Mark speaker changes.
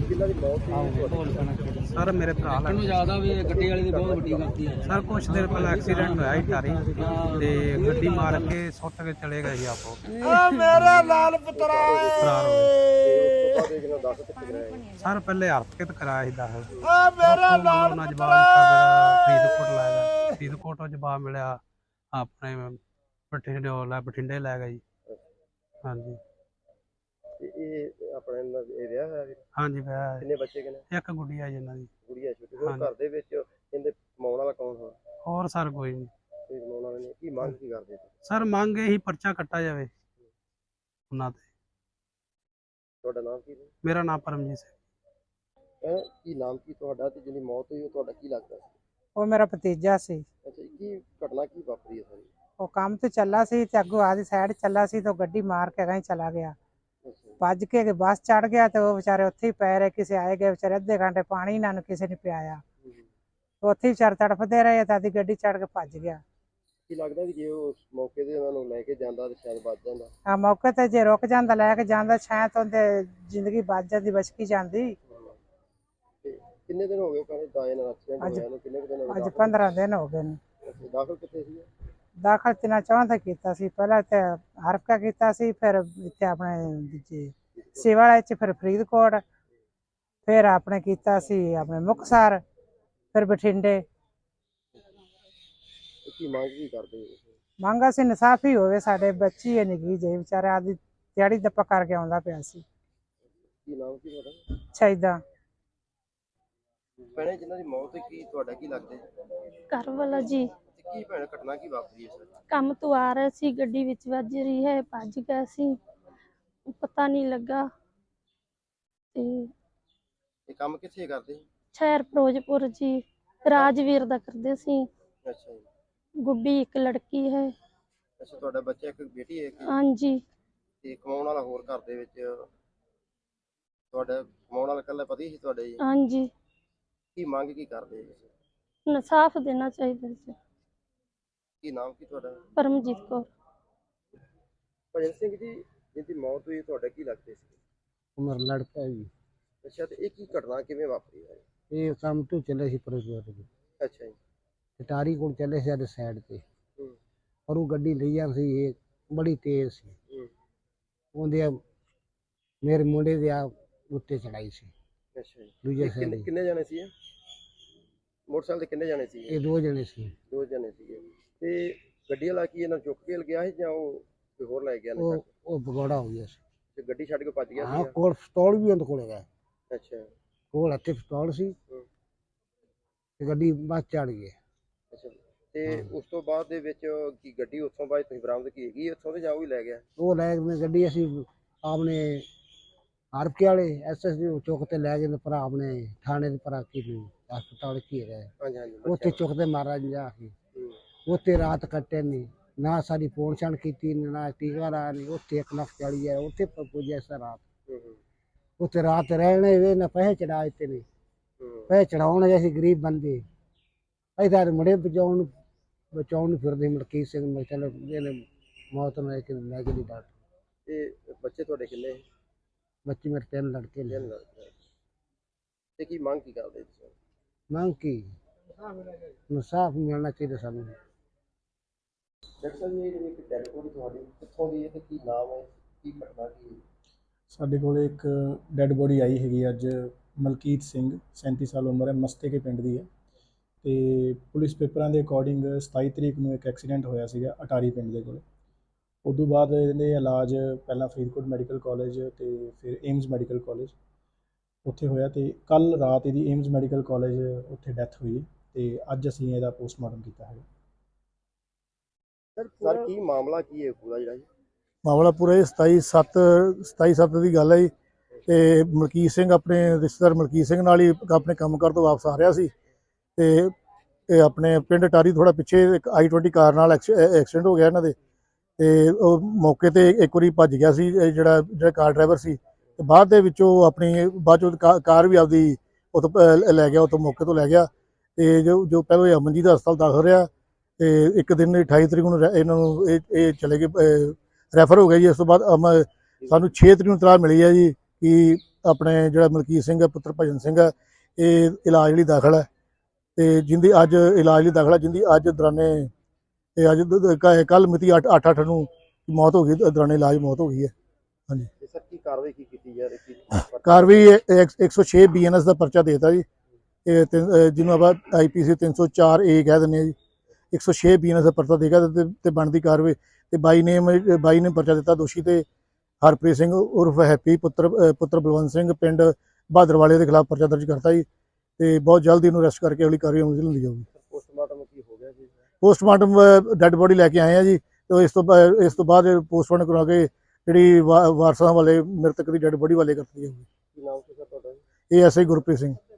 Speaker 1: जिन्हां दी मौत हुई
Speaker 2: सर मेरे भरा सर कुछ देर पहले एक्सीडेंट होया ही टारी ते गड्डी मार के सुट के चले गए ही आपो
Speaker 1: मेरा लाल पुत्रा
Speaker 2: फरार हो गए सर पहले हरकत कराया ही दाखिल
Speaker 1: मेरा लाल
Speaker 2: उन्होंने जवाब दिता मेरा फरीदकोट लै गए फरीदकोट जवाब मिलिया अपने बठिंडे लै गए जी हाँ जी हाँ जी
Speaker 1: किन्ने बच्चे किन्ने
Speaker 2: एक गुड़िया जिन्हां दी
Speaker 1: गुड़िया छोटी होर घर दे विच इहदे कमाउण वाला कौन हो
Speaker 2: और सर कोई नहीं
Speaker 1: कोई कमाउण वाला नहीं की मंग की करदे
Speaker 2: सर मंग यही पर्चा कट्टा जाए उन्हां ते
Speaker 1: ਤੁਹਾਡਾ ਨਾਮ ਕੀ ਹੈ
Speaker 2: मेरा नाम परमजीत सिंह
Speaker 1: ਕੀ ਨਾਮ ਕੀ ਤੁਹਾਡਾ ਤੇ ਜਿਹਦੀ ਮੌਤ ਹੋਈ ਉਹ ਤੁਹਾਡਾ ਕੀ ਲੱਗਦਾ ਸੀ
Speaker 3: ਉਹ ਮੇਰਾ ਭਤੀਜਾ ਸੀ।
Speaker 1: ਅੱਛਾ ਕੀ ਘਟਨਾ ਕੀ ਵਾਪਰੀ ਹੈ ਸਾਰੀ
Speaker 3: ਉਹ ਕੰਮ ਤੇ ਚੱਲਾ ਸੀ ਤੇ ਅੱਗੋਂ ਆਦੀ ਸਾਈਡ ਚੱਲਾ ਸੀ ਤੇ ਗੱਡੀ ਮਾਰ ਕੇ ਗਈ ਚਲਾ ਗਿਆ ਭੱਜ ਕੇ ਬੱਸ ਚੜ ਗਿਆ ਤੇ ਉਹ ਵਿਚਾਰੇ ਉੱਥੇ ਹੀ ਪੈ ਰਹੇ ਕਿਸੇ ਆਏ ਗਏ ਵਿਚਾਰੇ ਅੱਧੇ ਘੰਟੇ ਪਾਣੀ ਇਹਨਾਂ ਨੂੰ ਕਿਸੇ ਨੇ ਪਿਆਇਆ ਉੱਥੇ ਹੀ ਵਿਚਾਰੇ ਤੜਫਦੇ ਰਹੇ ਤਾਂ ਆਦੀ ਗੱਡੀ ਚੜ ਕੇ ਭੱਜ ਗਿਆ।
Speaker 1: ਕੀ ਲੱਗਦਾ ਕਿ ਜੇ ਉਸ ਮੌਕੇ ਤੇ ਉਹਨਾਂ ਨੂੰ ਲੈ ਕੇ ਜਾਂਦਾ ਤੇ ਸ਼ਾਇਦ ਬਚ ਜਾਂਦਾ
Speaker 3: ਆ ਮੌਕੇ ਤੇ ਜੇ ਰੁਕ ਜਾਂਦਾ ਲੈ ਕੇ ਜਾਂਦਾ ਸ਼ਾਇਦ ਉਹਦੇ ਜ਼ਿੰਦਗੀ ਬਚ ਜਾਂਦੀ ਬਚਕੀ ਜਾਂਦੀ।
Speaker 1: ਕਿੰਨੇ ਦਿਨ ਹੋ ਗਏ ਕਹਿੰਦੇ ਦਾਏ ਨਾਲ ਐਕਸੀਡੈਂਟ ਹੋਇਆ ਨੂੰ ਕਿੰਨੇ ਦਿਨ ਹੋ ਗਏ
Speaker 3: ਅੱਜ 15 ਦਿਨ ਹੋ ਗਏ ਨੇ।
Speaker 1: ਦਾਖਲ ਕਿੱਥੇ ਸੀ
Speaker 3: ਦਾਖਲ ਤਿੰਨਾਂ ਚੌਹਾਂ ਤੇ ਕੀਤਾ ਸੀ ਪਹਿਲਾਂ ਤੇ ਹਰਫਕਾ ਕੀਤਾ ਸੀ ਫਿਰ ਇੱਥੇ ਆਪਣੇ ਸਿਵਾਲਾ ਚ ਫਿਰ ਫਰੀਦਕੋਟ ਫਿਰ ਆਪਣੇ ਕੀਤਾ ਸੀ ਆਪਣੇ ਮੁਕਤਸਰ ਫਿਰ ਬਠਿੰਡੇ।
Speaker 1: ਕੀ ਮੰਗ ਕੀ ਕਰਦੇ
Speaker 3: ਮੰਗ ਅਸੀਂ ਇਨਸਾਫ ਹੀ ਹੋਵੇ ਸਾਡੇ ਬੱਚੀ ਹੈ ਨਿੱਕੀ ਜਿਹੀ ਵਿਚਾਰਾ ਆਦੀ ਦਿਹਾੜੀ ਦੱਪਾ ਕਰਕੇ ਆਉਂਦਾ ਪਿਆ ਸੀ।
Speaker 1: ਕੀ ਨਾਮ ਕੀ ਤੁਹਾਡਾ
Speaker 3: ਸ਼ਹੀਦਾਂ
Speaker 1: ਭੈਣੇ ਜਿਨ੍ਹਾਂ ਦੀ ਮੌਤ ਹੋਈ ਕੀ ਤੁਹਾਡਾ ਕੀ ਲੱਗਦਾ
Speaker 4: ਘਰ ਵਾਲਾ ਜੀ
Speaker 1: ਕੀ ਭੈਣ ਘਟਨਾ ਕੀ ਵਾਪਰੀ ਹੈ ਸਰ
Speaker 4: ਕੰਮ ਤੋਂ ਆ ਰਹੇ ਸੀ ਗੱਡੀ ਵਿੱਚ ਵੱਜ ਰਹੀ ਹੈ ਭੱਜ ਗਿਆ ਸੀ ਪਤਾ ਨਹੀਂ ਲੱਗਾ ਤੇ
Speaker 1: ਇਹ ਕੰਮ ਕਿੱਥੇ ਕਰਦੇ
Speaker 4: ਸ਼ਹਿਰ ਫਿਰੋਜ਼ਪੁਰ ਜੀ ਰਾਜਵੀਰ ਦਾ ਕਰਦੇ ਸੀ।
Speaker 1: ਅੱਛਾ ਜੀ
Speaker 4: ਗੁੱਡੀ ਇੱਕ ਲੜਕੀ ਹੈ।
Speaker 1: ਅੱਛਾ ਤੁਹਾਡਾ ਬੱਚਾ ਇੱਕ ਬੇਟੀ ਹੈ
Speaker 4: ਹਾਂਜੀ
Speaker 1: ਤੇ ਕਮਾਉਣ ਵਾਲਾ ਹੋਰ ਘਰ ਦੇ ਵਿੱਚ ਤੁਹਾਡਾ ਕਮਾਉਣ ਵਾਲਾ ਇਕੱਲਾ ਪਤੀ ਸੀ ਤੁਹਾਡੇ ਜੀ
Speaker 4: ਹਾਂਜੀ
Speaker 1: ਕੀ ਮੰਗ ਕੀ ਕਰਦੇ ਜੀ
Speaker 4: ਇਨਸਾਫ ਦੇਣਾ ਚਾਹੀਦਾ ਸੀ।
Speaker 1: ਕੀ ਨਾਮ ਕੀ ਤੁਹਾਡਾ
Speaker 4: ਪਰਮਜੀਤ ਕੌਰ।
Speaker 1: ਭਜਨ ਸਿੰਘ ਜੀ ਜਿਹਦੀ ਮੌਤ ਹੋਈ ਤੁਹਾਡਾ ਕੀ ਲੱਗਦੇ ਸੀ
Speaker 5: ਉਮਰ ਲੜਕਾ ਜੀ।
Speaker 1: ਅੱਛਾ ਤੇ ਇਹ ਕੀ ਘਟਨਾ ਕਿਵੇਂ ਵਾਪਰੀ ਹੈ
Speaker 5: ਇਹ ਕੰਮ ਤੋਂ ਚੱਲੇ ਸੀ ਫਿਰੋਜ਼ਪੁਰ ਦੇ
Speaker 1: ਅੱਛਾ ਜੀ
Speaker 5: ਟਾਰੀ ਕੋਲ ਚੱਲੇ ਸੀ ਸਾਈਡ ਤੇ
Speaker 1: ਹੂੰ
Speaker 5: ਪਰ ਉਹ ਗੱਡੀ ਲਈ ਜਾਂ ਸੀ ਇਹ ਬੜੀ ਤੇਜ਼ ਸੀ
Speaker 1: ਹੂੰ
Speaker 5: ਉਹਦੇ ਮੇਰੇ ਮੁੰਡੇ ਦੇ ਆ ਉੱਤੇ ਚੜਾਈ ਸੀ।
Speaker 1: ਅੱਛਾ ਜੀ
Speaker 5: ਦੂਜੇ ਸਾਈਡ
Speaker 1: ਕਿੰਨੇ ਜਾਣੇ ਸੀ ਮੋਟਰਸਾਈਕਲ ਤੇ ਕਿੰਨੇ ਜਾਣੇ ਸੀ
Speaker 5: ਇਹ ਦੋ ਜਣੇ ਸੀ।
Speaker 1: ਦੋ ਜਣੇ ਸੀਗੇ ਤੇ ਗੱਡੀ ਵਾਲਾ ਕੀ ਇਹਨਾਂ ਚੁੱਕ ਕੇ ਗਿਆ ਸੀ ਜਾਂ ਉਹ ਕੋਈ ਹੋਰ ਲੈ ਗਿਆ ਨੇ
Speaker 5: ਉਹ ਭਗੌੜਾ ਹੋ ਗਿਆ ਸੀ
Speaker 1: ਤੇ ਗੱਡੀ ਛੱਡ ਕੇ ਭੱਜ ਗਿਆ
Speaker 5: ਹਾਂ
Speaker 1: ਸੀ
Speaker 5: ਕੋਲ ਪਿਸਤੌਲ ਵੀ ਉਹਦੇ ਕੋਲ ਹੈਗਾ
Speaker 1: ਅੱਛਾ
Speaker 5: ਕੋਲ ਹੱਥੇ ਪਿਸਤੌਲ ਸੀ ਤੇ ਗੱਡੀ ਬਸ ਚੜ ਗਈ।
Speaker 1: ਅੱਛਾ ਤੇ ਉਸ ਤੋਂ ਬਾਅਦ ਦੇ ਵਿੱਚ ਕੀ ਗੱਡੀ ਉੱਥੋਂ ਬਾਅਦ ਤੁਸੀਂ ਬਰਾਮਦ ਕੀ ਹੈਗੀ ਉੱਥੋਂ ਤੇ ਜਾਂ ਉਹ ਹੀ ਲੈ ਗਿਆ
Speaker 5: ਉਹ ਲੈ ਕੇ ਗੱਡੀ ਅਸੀਂ ਆਪਣੇ ਹਰਫਕੇ ਵਾਲੇ ਐਸਐਸਡੀ ਚੌਕ ਤੇ ਲੈ ਗਏ ਭਰਾ ਆਪਣੇ ਥਾਣੇ ਦੇ ਭਰਾ ਕੀ ਹਸਪਤਾਲ ਕੀ ਹੈਗਾ
Speaker 1: ਹਾਂਜੀ ਹਾਂਜੀ
Speaker 5: ਉੱਥੇ ਚੁੱਕ ਤੇ ਮਹਾਰਾਜ ਜਾ ਕੇ ਉੱਥੇ ਰਾਤ ਕੱਟੇ ਨਹੀਂ ਨਾ ਸਾਡੀ ਫੋਨ ਛਾਣ ਕੀਤੀ ਨਾ ਟੀਕਾ ਲਾ ਨਹੀਂ ਉੱਥੇ 1,40,000 ਉੱਥੇ ਪੁੱਜਿਆ ਸਰ ਰਾਤ ਉੱਥੇ ਰਾਤ ਰਹਿਣੇ ਵੇ ਨਾ ਪੈਸੇ ਚੜਾ ਦਿੱਤੇ ਨੇ ਪੈਸੇ ਚੜਾਉਣ ਅਸੀਂ ਗਰੀਬ ਬੰਦੇ ਅਸੀਂ ਤਾਂ ਮੁੰਡੇ ਬਚਾਉਣ ਨੂੰ ਫਿਰਦੇ ਮਲਕੀਤ ਸਿੰਘ ਮੈਂ ਚਲੋ ਇਹਨੇ ਮੌਤ ਨੂੰ ਲੈ ਕੇ ਦੀ ਡਾਕਟਰ
Speaker 1: ਤੇ ਬੱਚੇ ਤੁਹਾਡੇ ਕਿੰਨੇ
Speaker 5: ਬੱਚੇ ਮੇਰੇ 3 ਲੜਕੇ ਨੇ
Speaker 1: ਤੇ ਕੀ ਮੰਗ ਕੀ ਕਰਦੇ ਤੁਸੀਂ
Speaker 5: ਮੰਗ ਕੀ ਇਨਸਾਫ ਮਿਲਣਾ ਚਾਹੀਦਾ ਸਾਨੂੰ।
Speaker 1: ਡਾਕਟਰ ਸਾਹਿਬ ਇਹ ਜਿਹੜੀ ਇੱਕ ਡੈਡ ਬੋਡੀ ਤੁਹਾਡੀ ਕਿੱਥੋਂ ਦੀ ਹੈ ਤੇ ਕੀ ਨਾਮ ਹੈ ਕੀ ਘਟਨਾ ਕੀ
Speaker 6: ਸਾਡੇ ਕੋਲ ਇੱਕ ਡੈਡ ਬੋਡੀ ਆਈ ਹੈਗੀ ਅੱਜ ਮਲਕੀਤ ਸਿੰਘ 37 ਸਾਲ ਉਮਰ ਹੈ ਮਸਤੇ ਕੇ ਪਿੰਡ ਦੀ ਹੈ ਤੇ ਪੁਲਿਸ ਪੇਪਰਾਂ ਦੇ ਅਕੋਰਡਿੰਗ 27 ਤਰੀਕ ਨੂੰ ਇੱਕ ਐਕਸੀਡੈਂਟ ਹੋਇਆ ਸੀਗਾ ਅਟਾਰੀ ਪਿੰਡ ਦੇ ਕੋਲ। ਉਦੋਂ ਬਾਅਦ ਇਹਦੇ ਇਲਾਜ ਪਹਿਲਾਂ ਫਰੀਦਕੋਟ ਮੈਡੀਕਲ ਕਾਲਜ ਤੇ ਫਿਰ ਏਮਜ਼ ਮੈਡੀਕਲ ਕਾਲਜ ਉੱਥੇ ਹੋਇਆ ਤੇ ਕੱਲ ਰਾਤ ਇਹਦੀ ਏਮਜ਼ ਮੈਡੀਕਲ ਕਾਲਜ ਉੱਥੇ ਡੈਥ ਹੋਈ ਤੇ ਅੱਜ ਅਸੀਂ ਇਹਦਾ ਪੋਸਟਮਾਰਟਮ ਕੀਤਾ ਹੈ।
Speaker 1: ਸਰ ਕੀ ਮਾਮਲਾ ਕੀ ਹੈ ਪੂਰਾ ਜਿਹੜਾ ਜੀ
Speaker 7: ਮਾਮਲਾ ਪੂਰਾ 27/7 ਦੀ ਗੱਲ ਹੈ ਜੀ ਤੇ ਮਲਕੀਤ ਸਿੰਘ ਆਪਣੇ ਰਿਸ਼ਤੇਦਾਰ ਮਲਕੀਤ ਸਿੰਘ ਨਾਲ ਹੀ ਆਪਣੇ ਕੰਮ ਕਰ ਤੋਂ ਵਾਪਸ ਆ ਰਿਹਾ ਸੀ ਤੇ ਇਹ ਆਪਣੇ ਪਿੰਡ ਟਾਰੀ ਥੋੜਾ ਪਿੱਛੇ ਇੱਕ i20 ਕਾਰ ਨਾਲ ਐਕਸੀਡੈਂਟ ਹੋ ਗਿਆ ਇਹਨਾਂ ਦੇ ਤੇ ਉਹ ਮੌਕੇ ਤੇ ਇੱਕ ਵਾਰੀ ਭੱਜ ਗਿਆ ਸੀ ਜਿਹੜਾ ਕਾਰ ਡਰਾਈਵਰ ਸੀ ਤੇ ਬਾਅਦ ਦੇ ਵਿੱਚੋਂ ਆਪਣੀ ਬਾਅਦ ਚੋਂ ਕਾਰ ਵੀ ਆਪਦੀ ਉੱਥੋਂ ਲੈ ਗਿਆ ਉੱਥੋਂ ਮੌਕੇ ਤੋਂ ਲੈ ਗਿਆ ਤੇ ਜੋ ਪਹਿਲਾਂ ਅਮਨਜੀਤ ਹਸਪਤਾਲ ਦਾਖਲ ਰਿਹਾ ਤੇ ਇੱਕ ਦਿਨ 28 ਤਰੀਕ ਨੂੰ ਇਹਨਾਂ ਨੂੰ ਇਹ ਚਲੇ ਗਏ ਰੈਫਰ ਹੋ ਗਿਆ ਜੀ। ਇਸ ਤੋਂ ਬਾਅਦ ਸਾਨੂੰ 6 ਤਰੀਕ ਨੂੰ ਇਤਲਾਹ ਮਿਲੀ ਹੈ ਜੀ ਕਿ ਆਪਣੇ ਜਿਹੜਾ ਮਲਕੀਤ ਸਿੰਘ ਹੈ ਪੁੱਤਰ ਭਜਨ ਸਿੰਘ ਹੈ, ਇਹ ਇਲਾਜ ਲਈ ਦਾਖਲ ਹੈ ਤੇ ਜਿੰਦੀ ਅੱਜ ਇਲਾਜ ਲਈ ਦਾਖਲ ਹੈ, ਜਿੰਦੀ ਅੱਜ ਦੌਰਾਨੇ ਇਹ ਅੱਜ ਕੱਲ ਮਿਤੀ 8/8 ਨੂੰ ਮੌਤ ਹੋ ਗਈ, ਦੌਰਾਨੇ ਇਲਾਜ ਮੌਤ ਹੋ ਗਈ ਹੈ। ਹਾਂਜੀ
Speaker 1: ਤੇ ਸਰ ਕੀ ਕਾਰਵਾਈ ਕੀ ਕੀਤੀ ਜਾ ਰਹੀ
Speaker 7: ਕਾਰਵਾਈ 106 BNS ਦਾ ਪਰਚਾ ਦੇਤਾ ਜੀ, ਇਹ ਜਿਹਨੂੰ ਆਪਾਂ IPC 304 A ਕਹਿ ਦਿੰਦੇ ਹਾਂ ਜੀ। 106 BNS ਦਾ ਪਰਚਾ ਦੇਗਾ ਤੇ ਬਣਦੀ ਕਾਰਵਾਈ ਤੇ ਬਾਈ ਨੇ ਪਰਚਾ ਦਿੱਤਾ ਦੋਸ਼ੀ ਤੇ ਹਰਪ੍ਰੀਤ ਸਿੰਘ ਉਰਫ ਹੈਪੀ ਪੁੱਤਰ ਬਲਵੰਤ ਸਿੰਘ ਪਿੰਡ ਬਹਾਦਰਵਾਲੇ ਦੇ ਖਿਲਾਫ ਪਰਚਾ ਦਰਜ ਕਰਤਾ ਜੀ ਤੇ ਬਹੁਤ ਜਲਦੀ ਇਹਨੂੰ ਅਰੈਸਟ ਕਰਕੇ ਅਗਲੀ ਕਾਰਵਾਈ ਅਮਲ 'ਚ ਲਿਆਂਦੀ ਜਾਊਗੀ।
Speaker 1: ਪੋਸਟਮਾਰਟਮ ਕੀ ਹੋ ਗਿਆ ਜੀ?
Speaker 7: ਪੋਸਟਮਾਰਟਮ ਡੈੱਡ ਬੋਡੀ ਲੈ ਕੇ ਆਏ ਆ ਜੀ ਤੇ ਇਸ ਤੋਂ ਬਾਅਦ ਪੋਸਟਮਾਰਟਮ ਕਰਾ ਕੇ ਜਿਹੜੀ ਵਾਰਸਾਂ ਵਾਲੇ ਮ੍ਰਿਤਕ ਦੀ ਡੈੱਡ ਬੋਡੀ ਵਾਲੇ ਕਰਤੀ ਜਾਊਗੀ।
Speaker 1: ਕੀ ਨਾਮ ਸੀ ਸਰ ਤੁਹਾਡਾ?
Speaker 7: ਇਹ ਐਸਆਈ ਗੁਰਪ੍ਰੀਤ ਸਿੰਘ।